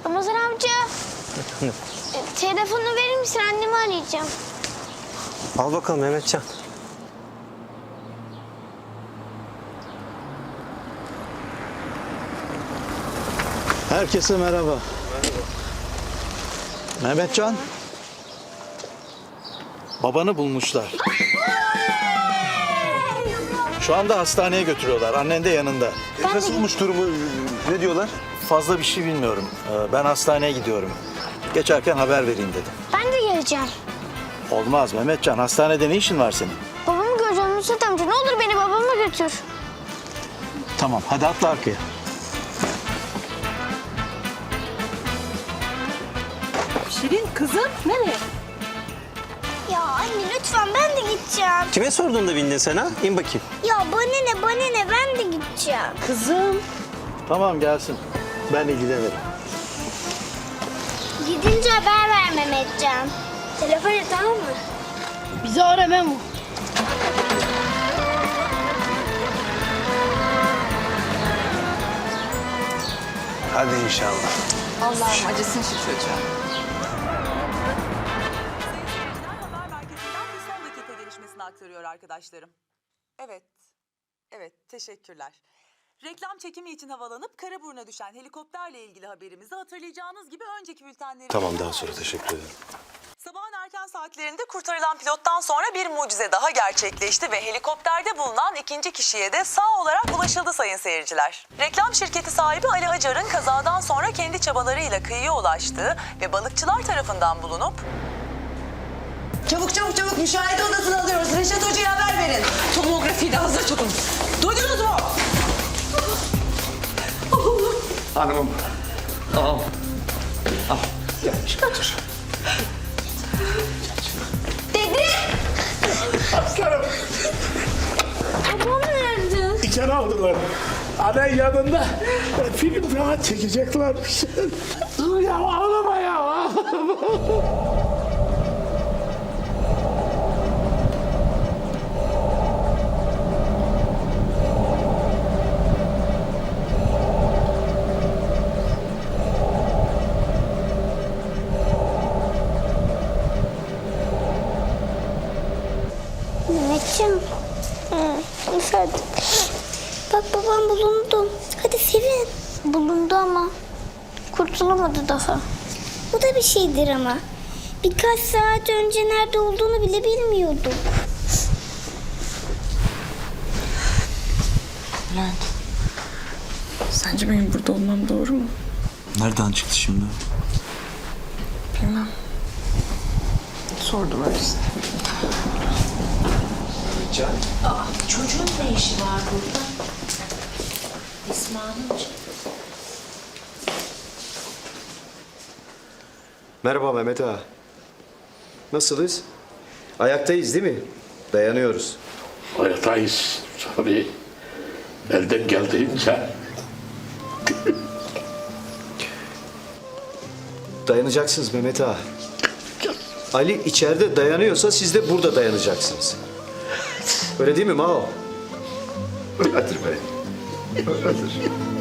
Ramazan amca. Telefonu verir misin? Annemi arayacağım. Al bakalım Mehmetcan. Herkese merhaba. Mehmetcan. Babanı bulmuşlar. Şu anda hastaneye götürüyorlar. Annen de yanında. Nasılmış durumu? Ne diyorlar? Fazla bir şey bilmiyorum. Ben hastaneye gidiyorum. Geçerken haber vereyim dedim. Ben de geleceğim. Olmaz Mehmetcan. Hastanede ne işin var senin? Babamı göreceğim Nusret amca. Ne olur beni babama götür. Tamam hadi atla arkaya. Şirin kızım nereye? Ya anne lütfen ben de gideceğim. Kime sordun da bindin sen ha? İn bakayım. Ya bana ne ben de gideceğim. Kızım. Tamam gelsin. Ben ilgilenirim. Gidince haber ver Mehmetcan. Telefon et tamam mı? Bizi ara Memo. Hadi inşallah. Allah'ım acısın şu çocuğa. Haber merkezinden bir son dakika gelişmesini aktarıyor arkadaşlarım. Evet, teşekkürler. Reklam çekimi için havalanıp Karaburun'a düşen helikopterle ilgili haberimizi hatırlayacağınız gibi önceki bültenleri... Tamam daha sonra teşekkür ederim. Sabahın erken saatlerinde kurtarılan pilottan sonra bir mucize daha gerçekleşti ve helikopterde bulunan ikinci kişiye de sağ olarak ulaşıldı sayın seyirciler. Reklam şirketi sahibi Ali Acar'ın kazadan sonra kendi çabalarıyla kıyıya ulaştığı ve balıkçılar tarafından bulunup... Çabuk müşahede odasını alıyoruz. Reşat Hoca'ya haber verin. Tomografiyi de hazır tutun. Duydunuz mu? Hanımım. Tamam. Al. Gelmiş götür. Aslanım. Babam nerede? İçeri aldılar. Annen yanında film falan çekeceklermiş. Dur ya ağlama ya. Ağlama. Mehmetcan. Hadi. Bak babam bulundu. Hadi sevin. Bulundu ama kurtulamadı daha. Bu da bir şeydir ama. Birkaç saat önce nerede olduğunu bile bilmiyorduk. Bülent. Sence benim burada olmam doğru mu? Nereden çıktı şimdi? Bilmem. Sordum öyleyse. Çocuğun ne işi var burada? İsmail'in. Merhaba Mehmet Ağa. Nasılız? Ayaktayız değil mi? Dayanıyoruz. Ayaktayız tabii. Elden geldiğince. Dayanacaksınız Mehmet Ağa. Ali içeride dayanıyorsa siz de burada dayanacaksınız. Öyle değil mi Mao? Öyledir be. Öyledir.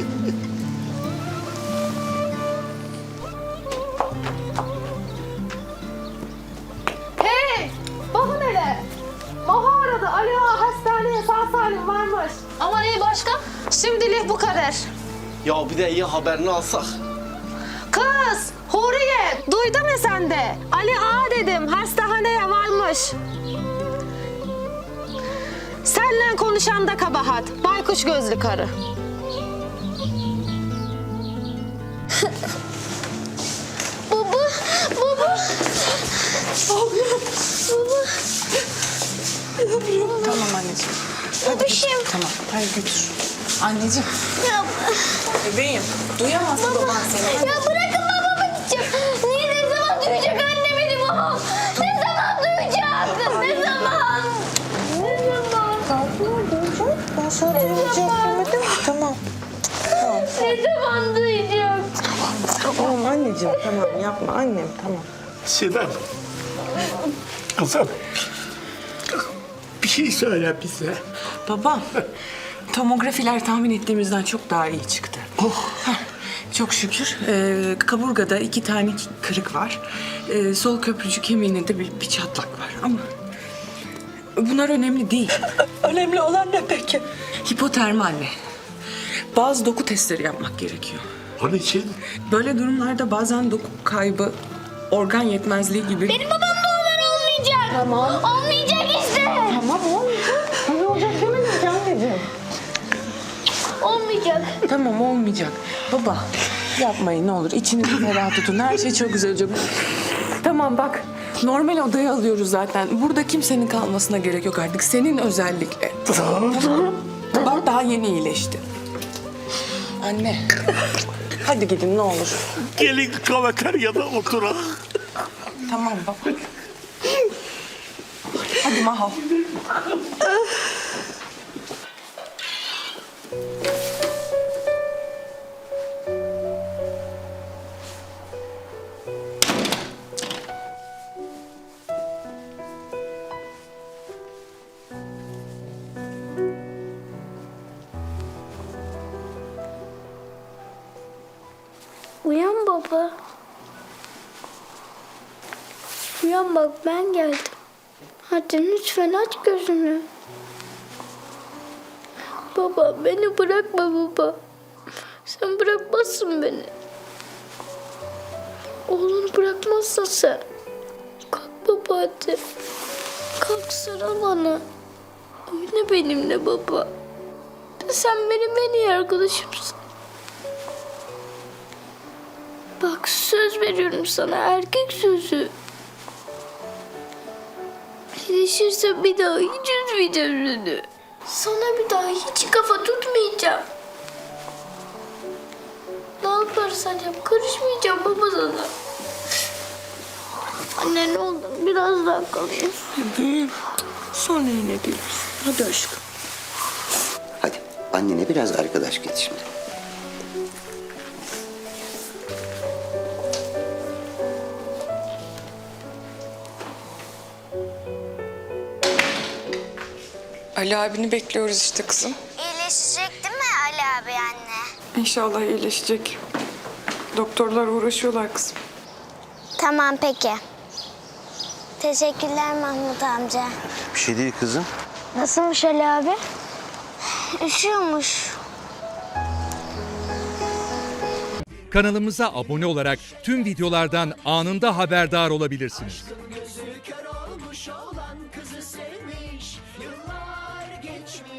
Hey! Bakın hele. Maha aradı. Ali Ağa hastaneye sağ salim varmış. Ama iyi başka? Şimdilik bu kadar. Ya bir de iyi haberini alsak. Kız! Huriye! Duydun mu sen de? Ali Ağa dedim. Hastaneye varmış. Senle konuşan da kabahat. Baykuş gözlü karı. Baba. Tamam anneciğim. Babişim. Tamam. Hadi götür. Anneciğim. Ya, Bebeğim. Duyamaz baban seni. ya bırakın babama gideceğim. Niye ne zaman duyacak anne beni babam? Ne zaman duyacak? Ne zaman? Ben sana duymayacağım demedim mi? Tamam. Ne zaman duyacak? Tamam anneciğim. Tamam yapma annem. Tamam. Sinem. Kızım. Bir şey söyle bize. Babam. Tomografiler tahmin ettiğimizden çok daha iyi çıktı. Çok şükür. Kaburgada 2 tane kırık var. Sol köprücük kemiğinde bir çatlak var ama bunlar önemli değil. Önemli olan ne peki? Hipotermi anne. Bazı doku testleri yapmak gerekiyor. Onun için Böyle durumlarda bazen doku kaybı, organ yetmezliği gibi... Benim babam da onlar olmayacak. Tamam. Olmayacak işte. Tamam olmayacak. Ne olacak demedim ki anneciğim. Olmayacak. Tamam olmayacak. Baba yapmayın ne olur. İçinizi ferah tutun. Her şey çok güzel olacak. Tamam bak. Normal odaya alıyoruz zaten. Burada kimsenin kalmasına gerek yok artık. Senin özellikle. Bak daha yeni iyileşti. Anne. Hadi gidin ne olur. gelin kafeteryada oturalım. Tamam baba. Hadi Maho. Uyan baba. Uyan bak ben geldim. Hadi lütfen aç gözünü. Baba beni bırakma baba. Sen bırakmazsın beni. Oğlunu bırakmazsın sen. Kalk baba hadi. Kalk sarıl bana. Oyna benimle baba. Sen benim en iyi arkadaşımsın. Bak söz veriyorum sana erkek sözü. İyileşirse bir daha hiç üzmeyeceğim seni. Sana bir daha hiç kafa tutmayacağım. Ne yaparsan yap karışmayacağım baba sana. Anne ne olur biraz daha kalayım. Sonra yine geliriz. Hadi aşkım. Hadi annene biraz arkadaş git şimdi. Ali abini bekliyoruz işte kızım. İyileşecek değil mi Ali abi anne? İnşallah iyileşecek. Doktorlar uğraşıyorlar kızım. Tamam peki. Teşekkürler Mahmut amca. Bir şey değil kızım. Nasılmış Ali abi? Üşüyormuş. Kanalımıza abone olarak tüm videolardan anında haberdar olabilirsiniz.